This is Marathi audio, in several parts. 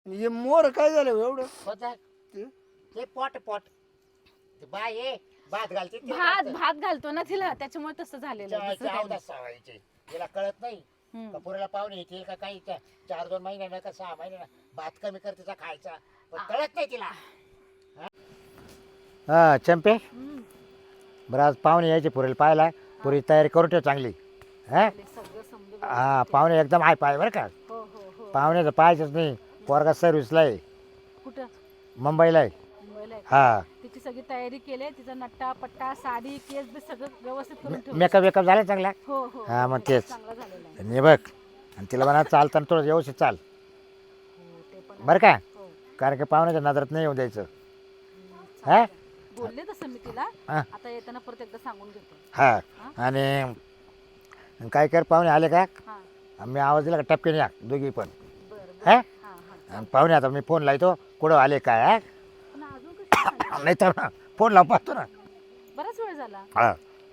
हे मोर काय झालं एवढं होतं. ते? ते पोट पोट ते बाय ये भात घालते ते भात घालतं. भात घालतो ना तिला त्याच्यामुळे तसं झालेलं आहे. दुसरं काही नाही. 14 सवायचे तिला कळत नाही हम्म. का पुरीला पाहुणे येतील का काही 4-2 महिन्यानं का 6 महिन्यानं भात कमी कर तिचा खायचा पण कळत नाही तिला. हा चंपे हम्म. बरं आज पाहुणे यायचे पुरेल पाहायला पुरी तयारी करून ठेव चांगली हा सगळं समजून हा पाहुणे एकदम आहे पाय बरं का हो हो हो पाहुण्याचं पाहायचंच नाही पोरगा सर्व्हिसला आहे कुठं मुंबईला आहे मुंबईला आहे. हा तिची सगळी तयारी केली तिचा नट्टा पट्टा साडी केस बी सगळं व्यवस्थित करून ठेवलं. मेकअप वेकअप झाला चांगला हो हो हा, मग हो, तेच. चांगला झालेला आहे. आणि बघ आणि तिला म्हणा चालताना थोडं व्यवस्थित चाल हो ते पण आहे. बरं का हो. कारण की पाहुण्याच्या नजरात नाही येऊ द्यायचं चालेल. हा बोलले तसं मी तिला हा. आता येताना परत एकदा सांगून घेतो. हा आणि काय कर पाहुणे आले का हा मी आवाज दिला का टपकेने या दोघी पण बरं हा हा हा आणि पाहुणे आता मी फोन लावतो कुठं आले काय हा पण अजून कसं झालं? नाही तर ना फोन लावून पाहतो ना बराच वेळ झाला. हा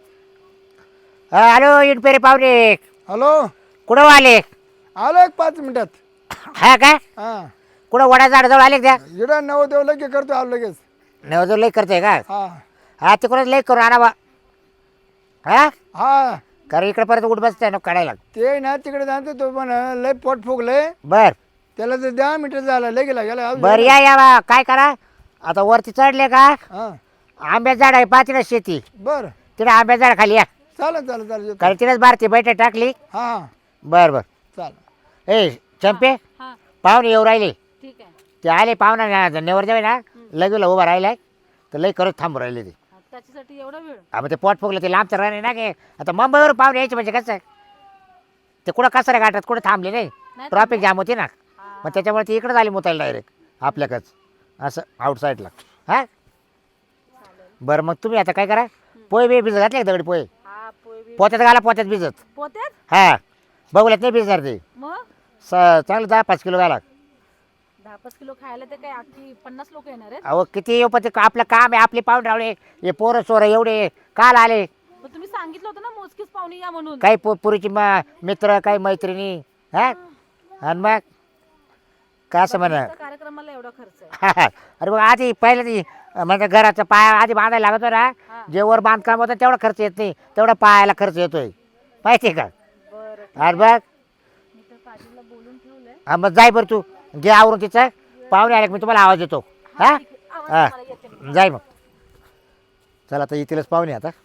हॅलो इटपेरे पाहुणे हॅलो कुठं आले आलो एक 5 मिनिटात हा काय हा कुठं वडा झाडाजवळ आले का त्या इडा नव देव लगे करतो आलो लगेच नवजवळ लई करते का हा हा तिकडूनच लई करू आणा बा हा हा कारण इकडे परत उठ बसते ना काढायला ते ना तिकडे जातो तो पण लय पोट फुगलंय बर त्याला तर 10 मिनिट झालं लय गेला गेला बर या बा काय करा आता वरती चढले का हा आंब्याचं झाड आहे पाच शेती बर तिथे आंब्याचं झाड खाली या चालेल चालेल चालेल येतो. कारण तिथेच भारती बैठक टाकली हा हा बर बर चालेल ए चंपे हा पाहुणे येऊ राहिले ठीक आहे. ते आले पाहुणा नेवर जावे ना लगेला उभा राहिलाय तर लई करत थांबू राहिले ते हा, त्याच्यासाठी एवढा वेळ हा मग ते पोट फुगलं ते लांब तर राहिले ना की आता मुंबईवर पाहुणे यायचे म्हणजे कसं ते कुठं कसं गाठात कुठं थांबले नाही नाही ट्रॉफिक जाम होती ना हा. मग त्याच्यामुळे ती इकडे झाली मुतायला डायरेक्ट आपल्याकडच असं आउटसाईडला हा बरं मग तुम्ही आता काय करा पोहे बी भिजत घातले का दगडी पोहे हा पोय बी पोत्यात घाला पोत्यात भिजत पोत्यात हा बघूल्यात नाही भिजणार ते मग चांगलं 10-5 किलो घाला 10-5 किलो खायला ते काय अख्खी 50 लोक येणार आहेत. अहो किती येऊ पण ते आपलं काम आहे आपले पाहुणे रावळे हे पोरं सोरं एवढे काल आले पण तुम्ही सांगितलं होतं ना मोजकीच पाहुणी या म्हणून. काही पुरीची मित्र काही मैत्रिणी हा आणि मग काय असं म्हणा लग्नाच्या कार्यक्रमाला एवढा खर्च आहे. अरे मग आधी पहिलं ती म्हणजे घराचा पाया आधी बांधायला लागतो ना हा. जे वर बांधकाम होतं तेवढा खर्च येत नाही तेवढा पायाला खर्च येतोय माहिती आहे का बरं अरे बघ मी तर काजीला बोलून ठेवलंय. हा मग जाय बरं तू घे आवरून तिचं पाहुणे आले की मी तुम्हाला आवाज देतो हा ठीक आहे. आवाज हा तुम्हाला येते मी. जाय मग चला आता येतीलच पाहुणे आता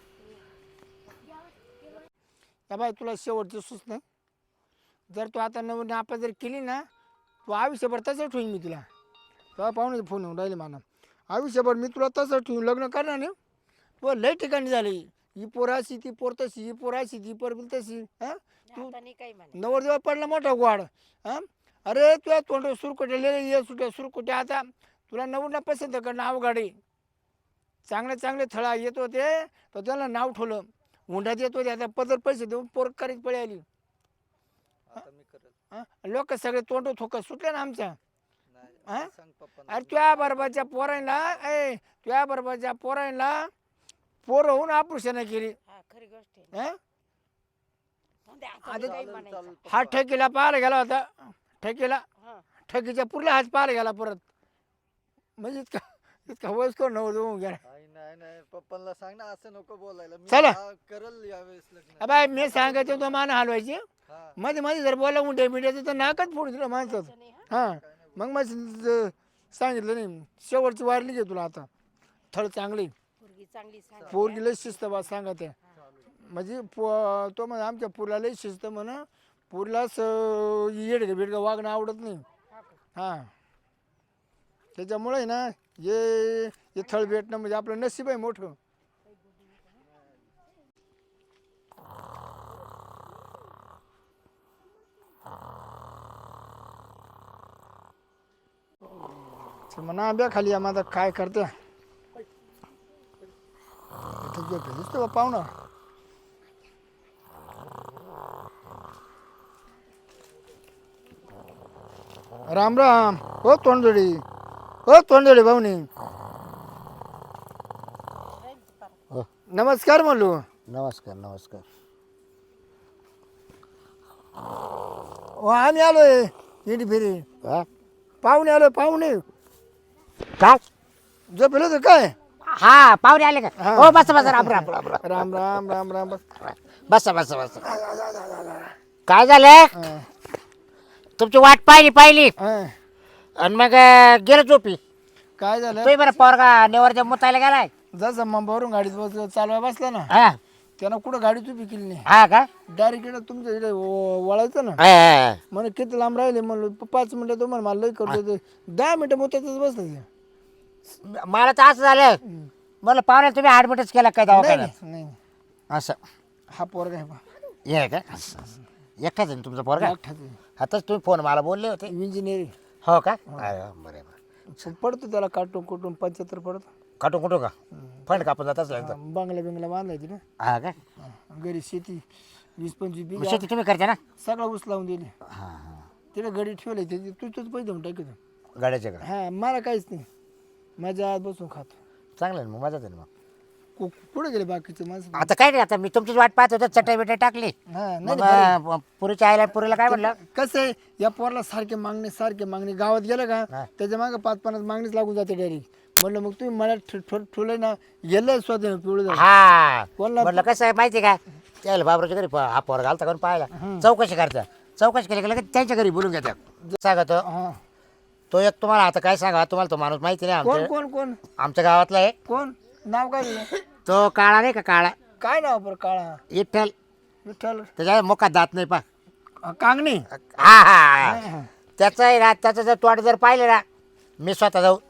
या बाय तुला शेवटची सूचना जर तू आता नवीन आपण जर केली ना तू आयुष्यभर तसं ठेवीन मी तुला तेव्हा पाहुणे फोन येऊन राहिले मला आयुष्यभर मी तुला तसं ठेवून लग्न करणार नाही तू लय ठिकाणी झाली ही पोराशी ती पोर तशी ही पोराशी ती पोर तशी हा तू आता नाही काही म्हणत. नवरदेवा पडला मोठा गोड हा अरे तुला तोंड सुरकुटले ये सुट्या सुरकुट्या आता तुला नवरला पसंत कर नाव गाडी चांगले चांगले थळा येत होते तर त्याला नाव ठेवलं हुंड्यात येत होते आता पदर पैसे देऊन पोर करीत पळी आली लोक सगळे तोंड थोकत सुटले ना आमच्या हा? अरे तुझ्या बरोबरच्या पोरांना तुझ्या बरोबरच्या पोरांना पोर होऊन ऑपरेशन केली हा खरी गोष्ट आहे. हा? जाऊ दे, आता नाही काही म्हणायचं. हा ठेकीला पाहायला गेला होता ठेकीला हा. ठेकीच्या पुरला हात पाहायला गेला परत म्हणजे इतका वयस्कर नव्हतं होऊन गेला नाही नाही पप्पांना सांग ना असं नको बोलायला मी चला. करल यावेळेस लग्न अबाय मी सांगायचं तो मान हलवायची हा मध्ये मध्ये जर बोला उंटे मिठायचं तर नाकच फोडून दिलं माणसाचं नाही, हा. हां मग सांगितलं नाही शेवटची वारली घे तुला आता थळ चांगली पोरगी चांगली सांग. पोरगी लय शिस्त बा सांगत आहे म्हणजे तो म्हणजे आमच्या पुरला लय शिस्त म्हणा पुरलाच येडगं बिडगं वागणं आवडत नाही हां त्याच्यामुळे ना हे थळ भेटणं म्हणजे आपलं नशीब आहे मोठं म्हणा आंब्या खाली या माझा काय करते दिसतो बा पाहुणा राम राम हो तोंडजोडी भाऊनी हो नमस्कार म्हणलो नमस्कार नमस्कार हो आम्ही आलोय इंडी फिरी हा पाहुणे आलं पाहुणे काय झोपेल होतं काय हा पाहुणे आले का हा. हो बस बस राम राम राम राम राम राम राम राम बस बस बस बस काय झालं हा, तुमची वाट पाहिली हा. आणि मग गेलो झोपी काय झालं तुम्ही बरं पोरगा नेवरच्या मुतायला गेलाय जसं मुंबईवरून गाडीत चालवाय बसला ना हा त्यानं कुठं गाडी उभी केली नाही हा का डायरेक्ट इकडे तुमच्या इकडे वळायचं ना हा, हा, म्हणे किती लांब राहिले म्हणलं 5 मिनिटं तुम्हाला मला लई करतो ते 10 मिनिटं मोत्यातच बसलं ते. हा. मला तर असं झालं मला पाहुणे तुम्ही ऍडमिटच केला काय नाही दवाखान्यात नाही नाही. असं हा पोरगा आहे बा हे का एकटाच आहे ना तुमचा पोरगा एकटाच आहे. आताच तुम्ही फोन मला बोलले होते इंजिनिअरिंग हो का अरे बरं पडतो त्याला काटून कुटून 75 पडतो काटून कुठं का फंड कापून जात असला एकदम बंगला बिंगला बांधायची ना हा का घरी शेती 20-25 मग बिघा शेती तुम्ही करता ना सगळा ऊस लावून दिले हा हा तिला गडी ठेवले त्याची तूच पैसे देऊन टाकतो गाड्याच्या का हा मला काहीच नाही माझ्या आत बसून खातो चांगलं आहे ना मग मजाच आहे ना मग कुठे गेले बाकीचे माणसं आता काय नाही आता मी तुमचीच वाट पाहत होतो चटई बिटाई टाकली हा नाही मग नाही, बरं. पुरीच्या आईला पुरीला काय म्हणलं कसं आहे या पोराला सारखे मागणी गावात गेलं का हा. त्याच्या मागे 5-50 मागणीच लागून जाते डायरेक्ट म्हणलं मग तुम्ही मला ठेवलं ना गेलं स्वतः पिवळं झालं. हा कोणला- म्हणलं कसं आहे माहिती आहे का त्याला बाबराच्या घरी हा पोर घालता करून पाहायला चौकशी करता चौकशी केली की लगेच त्यांच्या घरी बोलून घेतात सांगतो हा तो एक तुम्हाला आता काय सांगा तुम्हाला तो माणूस माहिती नाही कोण आमच्या कोण कोण आमच्या गावातला आहे कोण नाव काय दिलं? तो काळा नाही का काळा काय नाव बरं काळा विठ्ठल विठ्ठल त्याच्या मुखात दात नाही पा कांगणी हा हा हा. त्याचं आहे ना त्याचं जर तोंड जर पाहिलं ना मी स्वतः जाऊ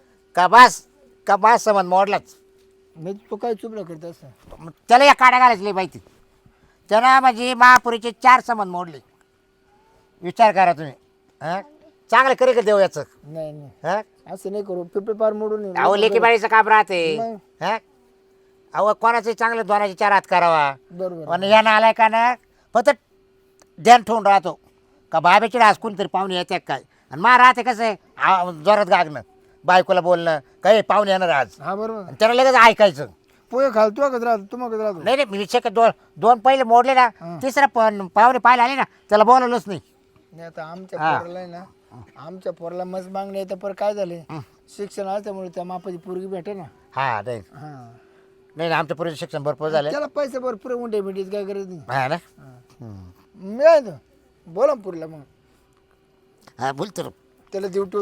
का बास समज मोडलाच मी तो काय चुपला करत असं त्याला या काड्या घालायची माहिती त्यानं म्हणजे महापुरीचे 4 समज मोडले विचार करा तुम्ही हां चांगलं करी का देऊ याचं नाही नाही हां असं नाही करू पिपे पार मोडून ये. अहो लेकी बाळीचं काम राहते मग. हां अहो कोणाचे चांगलं दोनाचे 4 हात करावा बरोबर आणि यानं आलाय का ना फक्त ध्यान ठेवून राहतो का बाबेची डास कोणतरी पाहुणे येते काय आणि मा राहते कसं आहे जोरात गागणं बायकोला बोलणं काही पाहुणे येणार आज हा बरोबर आणि त्याला लगेच ऐकायचं पोहे खाल तू कधी राहतो तुम्हाला कधी राहतो नाही नाही मी विषय दोन पहिले मोडले ना तिसरा पण पाहुणे पाहायला आले ना त्याला बोलवलंच नाही नाही आता आमच्या हा. पोराला आहे ना आमच्या पोराला मस्त मागणी आहे तर पर काय झाले शिक्षण असल्यामुळे त्या मापाची पोरगी भेटे ना हा नाही हा नाही आमच्या पुढे शिक्षण भरपूर झालं त्याला पैसे भरपूर उंडे भेटीच काय गरज नाही हा ना मिळायचं बोला ना पुरीला मग हा बोलतो रे. त्याला ड्युटी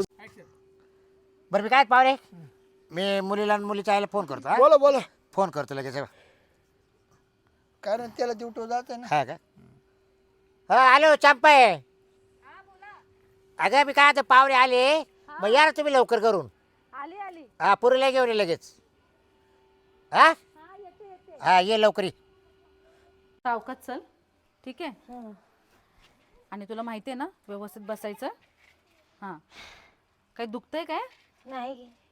बरं मी काय पाहुणे मी मुलीला आणि मुलीच्या आईला फोन करतो हा? बोला बोला फोन करतो लगेच कारण त्याला ड्युटी जाते ना हा का हा हॅलो चंपाय अगं मी काय आता पाहुणे आले मग या ना तुम्ही लवकर करून आली आली हा पुरीला घेऊन ये लगेच हा हा ये लवकर ये. सावकाश चल ठीक आहे आणि तुला माहिती आहे ना व्यवस्थित बसायचं हां काही दुखतंय काय नाही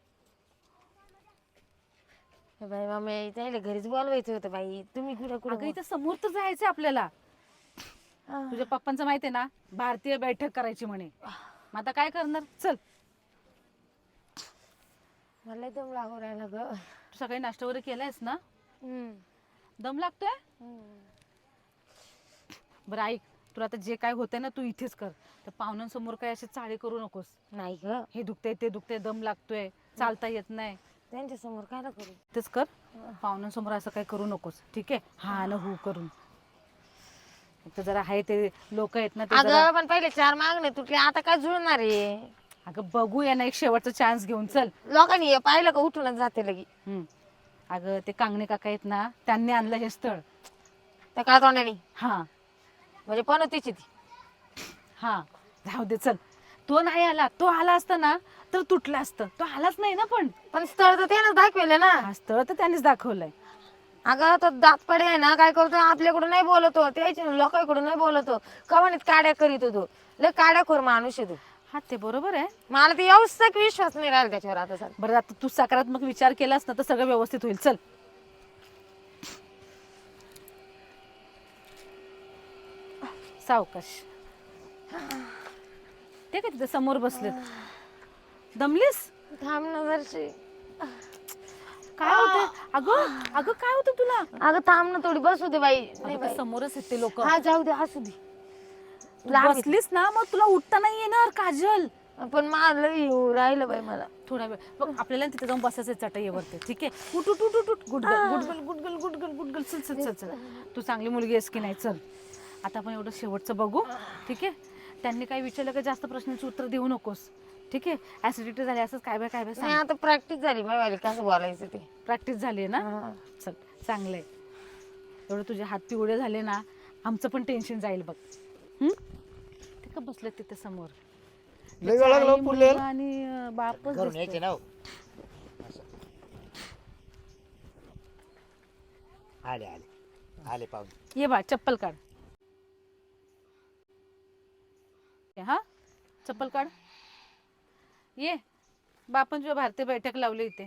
हे बाई मम्मी त्याला घरीच बोलवायचं होतं बाई तुम्ही कुठं अगं कुठं इथं समोर तर जायचं आपल्याला तुझ्या पप्पांचं माहिती आहे ना भारतीय बैठक करायची म्हणे मग आता काय करणार चल मला दम लागू राहिला ग तू सकाळी नाश्ता वगैरे केलायस ना हम्म. दम लागतोय बरं ऐक तुला आता जे काय होतंय ना तू इथेच कर तर पाहुण्यांसमोर काय असे चाळे करू नकोस नाही ग हे दुखतंय ते दुखतंय दम लागतोय चालता येत नाही त्यांच्या समोर काय करू तेच कर पाहुण्यांसमोर असं काही करू नकोस ठीक आहे हा ना हू करून तर जरा आहे ते लोक आहेत ना ते जरा अगं पण पहिले 4 मागणे तुटले आता काय जुळणार आहे अगं बघूया ना एक शेवटचा चान्स घेऊन चल लोकांनी हे पाहिलं का उठूनच जाते लगी अगं ते कांगणे काका आहेत ना त्यांनी आणलं हे स्थळ त्या काय तोंडाने हा म्हणजे पण तिची ती हा जाऊ दे चल तो नाही आला तो आला असता ना तर तुटलं असतं तो आलाच नाही ना पण स्थळ तर त्यानंच दाखवले ना हा स्थळ तर त्यांनीच दाखवलंय अगं तो दातपडे आहे ना काय करतो आपल्याकडून नाही बोलतो त्याच्या लोकांकडून नाही बोलतो कवानीत काड्या करीत होतो लय काड्याखोर माणूस आहे तू हा ते बरोबर आहे मला ते व्यवस्थित विश्वास नाही राहिला त्याच्यावर आता सर बरं आता तू सकारात्मक विचार केलास ना तर सगळं व्यवस्थित होईल चल सावकाश ते काय तिथे समोर बसलेत दमलीस थांब ना जरशी काय होतं अगं अगं काय होतं तुला अगं थांब ना थोडी बसू दे बाई अगं, ते समोरच आहेत ते लोक हा जाऊ दे असू दे बसलीस ना मग तुला उठता नाही येणार काजल पण मला येऊ राहिलं बाई मला. थोडा वेळ बघ, आपल्याला तिथे जाऊन बसायचं चटईवरती, ठीक आहे? उठ उठ उठ उठ उठ, गुडगल गुडगल गुडगल गुडगल गुडगल, चल चल चल चल. तू चांगली मुलगी आहेस की नाही, चल. आता आपण एवढं शेवटचं बघू, ठीक आहे? त्यांनी काही विचारलं का जास्त प्रश्नांची उत्तर देऊ नकोस, ठीक आहे? ऍसिडिटी झाली असंच काय बाय नाही सांग. आता प्रॅक्टिस झाली बाई कसं बोलायचं ते. प्रॅक्टिस झाली ना, चल चांगलं आहे. एवढं तुझे हात पिवळे झाले ना, आमचं पण टेन्शन जाईल बघ. ते का बसले तिथे समोर, लय वेळ लागला आई, पुरले मुलगा आणि बापच घरून यायचे दिसतोय. ना हो. आले आले आले पाहुणे. ये बा, चप्पल काढ. हा, चप्पल काढ. ये बापन तुझ्या भारतीय बैठक लावली इथे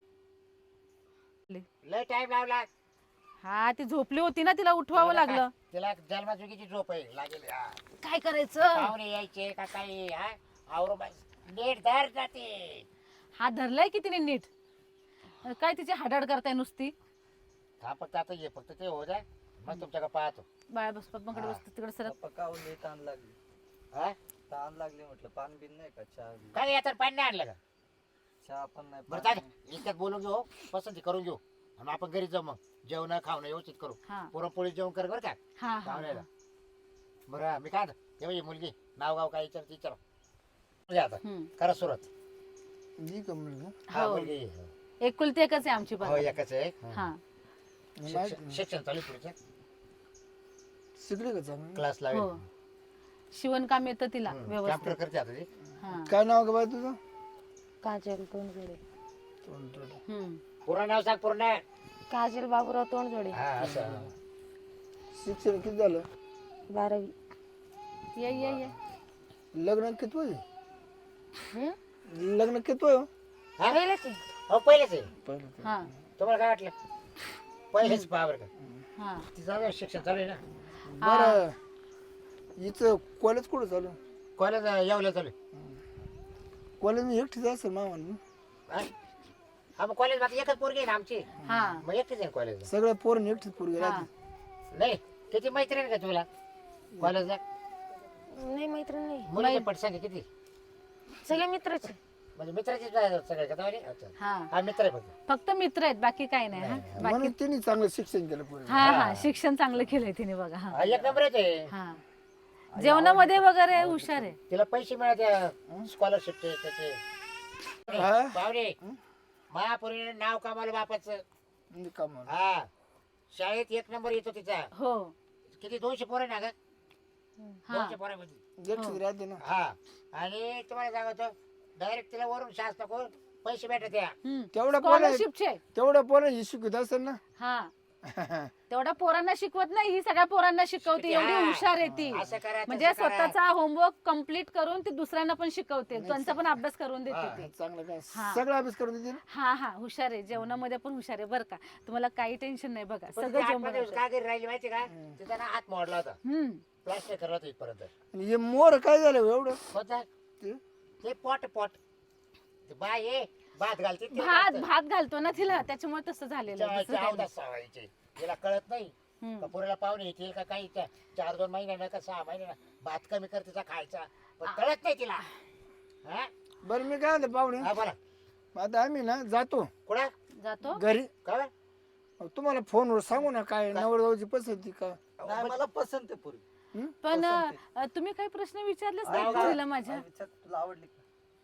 झाडाखाली. लय टाइम लावला. हा, ती झोपली होती ना, तिला उठवावं लागलं. तिला जन्मचुकीची झोप आहे लागेल. हा. काय करायचं? पाहुणे यायचे का काही हा आवरून नीट धर जाते. हा धरलाय की तिने नीट. काय तिची हाडाड करताय नुसती. हा फक्त आता ये, फक्त ते हो जाय मग तुमच्याकडे पाहतो. बाळा बस, पप्पांकडे बस, तिकडे सरक. पप्पा काहून लई ताण लागली. हा ताण लागली म्हटलं. पान बिन नाही का? चहा बी? काय आता पाणी नाही आणलं का? चहा पण नाही. बरं पाणी चालेल, इतक्यात बोलून घेऊ, पसंती करून घेऊ आणि आपण घरी जाऊ. मग जेवण खावणं व्यवस्थित करू. हा पुरणपोळी जेवण कर बरं का हा हा पाहुण्याला. बरं मी काय हे मुलगी नाव गाव काय विचार म्हणजे आता करा सुरुवात. जी का मुलगा हा हो. मुलगी एकुलती एकच आहे आमची हो पण. एकच आहे. हा शिक्षण चालू आहे पुढचं. शिकले का चांगलं? क्लास हो, लावेल. शिवणकाम येतं तिला कॅम्प्युटर व्यवस्थित. करते आता ती. हा. काय नाव का बाई तुझं? काजल तोंडजोडे. पूर्ण नाव सांग पूर्ण. काजल बाबूराव तोंडजोडे. हा असं. शिक्षण किती झालं? 12वी. ये ये ये. लग्न किती वय? हम्म? लग्न किती वय? हा? पहिलेच आहे. हो पहिलेच आहे. पहिलं हा तुम्हाला काय वाटलं? पहिलेच पाहा बरं का. हा. तिचं शिक्षण चालू आहे ना. बरं हिचं कॉलेज कुठं चालू? कॉलेज येवलं चालू आहे. कॉलेज मी एकटीच असेल मामा. हा? हा मग कॉलेज बाकी एकच पोरगी आहे ना आमची. हा मग एकटीच आहे कॉलेज. सगळ्या पोरं एकटीच पोरगी हा. राहते. नाही किती मैत्रीण का तुला कॉलेजला? नाही मैत्रीण नाही. मुलीचे पटसंख्या किती? सगळे मित्रच आहे. म्हणजे मित्राचीच सगळे का तुम्हाला? अच्छा. हा. हा मित्र आहे फक्त. फक्त मित्र आहेत, बाकी काही नाही. हा बाकी. म्हणून तिने चांगलं शिक्षण केलं पोरी. हा हा, शिक्षण चांगलं केलंय तिने बघा. हा हा एक नंबरच आहे. हा, जेवणामध्ये वगैरे हुशार आहे. तिला पैसे मिळाले स्कॉलरशिपचे त्याचे. हा? पाहुणे महापुरीने नाव कमावलं बापाचं. म्हणजे कामाला. हा शाळेत एक नंबर येतो तिचा. हो. किती 200 पोरं ना ग? हा 200 पोरांमध्ये. एकटीच राहते ना. हा आणि तुम्हाला सांगतो डायरेक्ट तिला वरून शासनाकडून पैसे भेटत या. तेवढ्या पोरं स्कॉलरशिपचे. तेवढ्या पोरं ही शिकत असेल ना. हा, तेवढ्या पोरांना शिकवत नाही, ही सगळ्या पोरांना शिकवते. एवढी हुशार आहे ती. असं करा म्हणजे तसं करा. स्वतःचा होमवर्क कम्प्लीट करून ती दुसऱ्यांना पण शिकवते, त्यांचा पण अभ्यास करून देते ती. चांगलं काय हा. सगळं अभ्यास करून देते ना. हा हा, हुशार आहे. जेवणामध्ये पण हुशार आहे बरं का. तुम्हाला काही टेन्शन नाही बघा, पण सगळं ती जेवण आतमध्ये काय घरी राहिली माहिती का? तिचा ना हात मोडला होता. प्लास्टर करला होता इथपर्यंत. आणि हे मोर काय झालं हो एवढं? होता ते? ते पोट ते बाय ये भात घालते ते भात घालतं. भात घालतो ना तिला, त्याच्यामुळे तसं झालेलं आहे. दुसरं काही नाही. 14 सवायचे तिला कळत नाही का पुरेला पाहुणे येतील का काही 4-2 महिन्यानं का 6 महिन्यानं भात कमी कर तिचा खायचा, पण कळत नाही तिला. हा बरं मी काय म्हणतो पाहुणे, हा, बोला आता आम्ही ना जातो कुठं जातो. घरी. का तुम्हाला फोनवर सांगू ना काय नवरदेवाची पसंती का? नाही मला पसंत आहे पोरी. पण तुम्ही काही प्रश्न विचारलेच नाही हा, तिला माझ्या. विचार तुला आवडली का?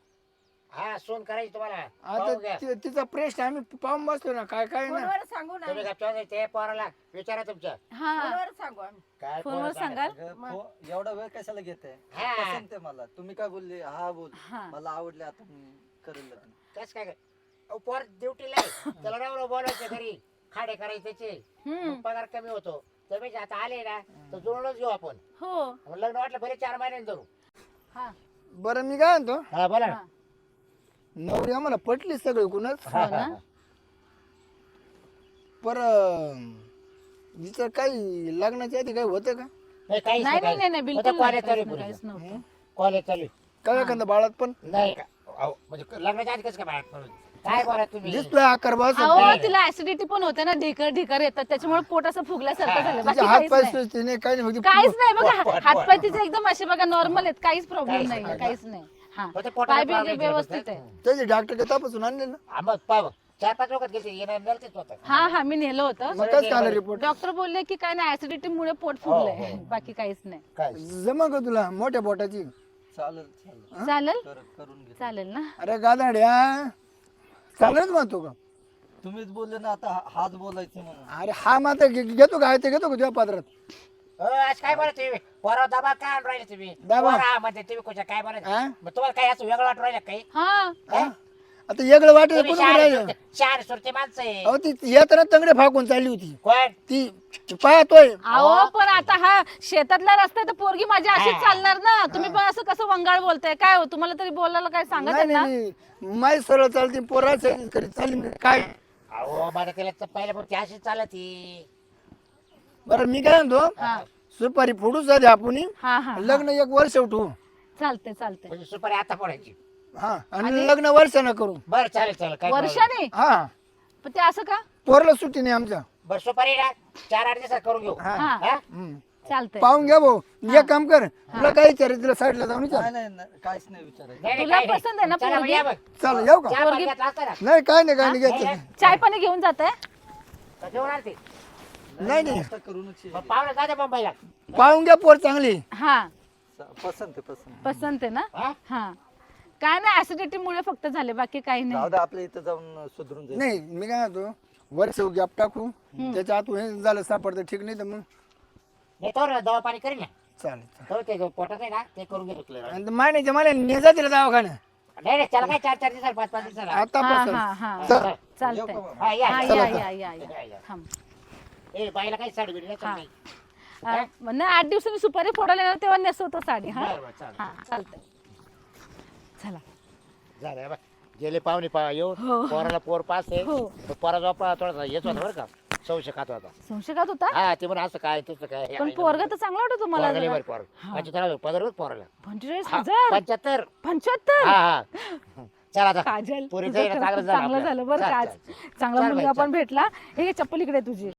हा सोन करायची तुम्हाला आता पाहू घ्या. तिचा प्रश्न आम्ही पाहून बसलो ना काय काय ना. फोनवर सांगू ना तुम्ही गप्पा नाही, ते पोराला विचारा तुमच्या हा, फोनवर सांगू आम्ही. काय फोनवर पोरं सांगाल. अगं, एवढा वेळ कशाला घेते? हा. पसंत आहे मला. तुम्ही काय बोलले? हा बोल. हा. मला आवडले आता मी करेल लग्न. कस काय अहो, पोर ड्युटीला आहे. त्याला राव बोलायचं घरी खाडे करायचे त्याचे. मग पगार कमी होतो. त्यापेक्षा आता आले ना तर जुळूनच घेऊ आपण. हो. मग लग्न वाटलं बरे 4 महिन्यांनी धरू. हा बरं मी काय म्हणतो, हा बोला ना. हा. नवरी आम्हाला पटली सगळं कुणाच. हो ना. पर हिचं काही लग्नाच्या आधी काही होतं का? नाही काहीच नाही नाही नाही नाही, बिलकुल नाही, कॉलेज चालू काहीच नाही, काहीच नव्हतं. कॉलेज चालू काय एखाद्या बाळात पण नाही का अहो, म्हणजे लग्नाच्या आधी कसं काय बाहेर पडून काय बोला तुम्ही दिसतोय आकार बस. अहो तिला ऍसिडिटी पण होते ना, ढेकर ढेकर येतात, त्याच्यामुळे पोट असं फुगल्यासारखं झालं. बाकी तिचे हात काहीच पाय नाही. सुचते नाही काही नाही. काहीच नाही बघा, हातपाय तिचे एकदम असे बघा नॉर्मल आहेत, काहीच प्रॉब्लेम नाही, काहीच नाही. हा फक्त पोटाला पाय बी problem व्यवस्थित आहे त्याचे डॉक्टर काय तपासून आणले ना हा, मग पाव 4-5 लोक गेले येणार नेलते स्वतः. हा हा मी नेलं होतं मग काय आलं रिपोर्ट डॉक्टर बोलले की काय नाही ऍसिडिटी मुळे पोट फुगलंय बाकी काहीच नाही काय जमा का तुला मोठ्या पोटाची चालेल चालेल चालेल करून घे चालेल ना अरे गादाड्या चांगलंच म्हणतो का तुम्हीच बोलले ना आता हाच बोलायचं म्हणून अरे हा मात्र घेतो का ते घेतो का तुझ्या पात्रात आज काय बोलत तुम्ही पोरावर दबाव काय आणून राहिले तुम्ही दबाव? पोरा म्हणजे तुम्ही कुठं काय बोलत हा? मग तुम्हाला काय असं वेगळं वाटून राहिलं काही हा हा? आता वेगळं वाटेल तुम्ही कोण राहिलं शहर सुरते माणसं आहे अहो ती येताना तंगडे फाकून चालली होती कोण ती पाहतोय अहो पण आता हा शेतातला रस्ता आहे तर पोरगी माझी अशीच चालणार ना तुम्ही पण असं कसं वंगाळ बोलताय काय हो तुम्हाला तरी बोलायला काय सांगत नाही आहे ना नाही माय सरळ चालते पोरा चालली म्हणजे काय अहो मला त्याला पहिल्या पण ती अशीच चालती बरं मी काय म्हणतो सुपारी फोडू साधे आपण हा हा लग्न 1 वर्ष उठू चालते चालते म्हणजे सुपारी आता पडायची हा आणि लग्न वर्षानं करू बरं चालेल चालेल काय वर्षाने हा पण ते असं का पोरला सुट्टी नाही आमच्या बरं सुपारी ना 4-8 दिवसात करून घेऊ हा. हा हा? हम्म. चालतंय पाहून घ्या भाऊ एक काम कर तुला काय विचार तिला साईडला जाऊन विचार नाही नाही काहीच नाही विचारायचं नाही, नाही, तुला काही नाही. पसंत आहे ना चला, पोरगी? या बघ. चल येऊ का चहा पाणी घेतला असता ना. नाही काय नाही घ्यायचं चाय पाणी घेऊन जात आहे तर घेऊन आल ते. नाही नाही आता करूनच ये. मग पाहुणे जाते मुंबईला पाहून घ्या पोर चांगली हा पसंत आहे पसंत पसंत आहे ना हा? हा काय नाही ऍसिडिटी मुळे फक्त झाले बाकी काही नाही जाऊ दे आपल्या इथं जाऊन सुधरून जाईल नाही मी काय म्हणतो वर्ष गॅप टाकू त्याच्या आत हे झालं सापडतं ठीक नाही तर मग नाही तो दवा पाणी करीन ना चालेल तो ते पोटात आहे ना ते करून घेतो clear. आणि मायने मला नेजा तिला दवाखाना नाही नाही त्याला काय 4-4 दिवसाला 5-5 दिवसाला आता हा पसंत. हा हा चल. चालतंय हा, या, हा या. या या या या थांब ए बाईला काही साडी बिडी नाही हा. चालली. नाही 8 दिवसांनी सुपारी फोडायला येणार तेव्हा नेसवतो साडी हा बरं, बरं, चालेल. हा चालतंय चला झालं बा गेले पाहुणे येऊ हो. पोराला पोर पास आहे हो. तो पोरा झोपा थोडासा येत होता बरं का संशय खात होता संशयात होता हा ते म्हणून असं काय तुझं काय पण पोरगा तर चांगला वाटत तुम्हाला पोरगा लय जरा. भारी पोरगा. 75,000 पगार होता पोराला 45,000 75 75 हा हा चला आता काजल पोरीचं तुझं येणं खरंच चांगलं झालं चांगलं आपलं. झालं बरं चल, का चल, आज चांगला चल मुलगा बाई, आपण भेटला हे चप्पल इकडे आहे तुझी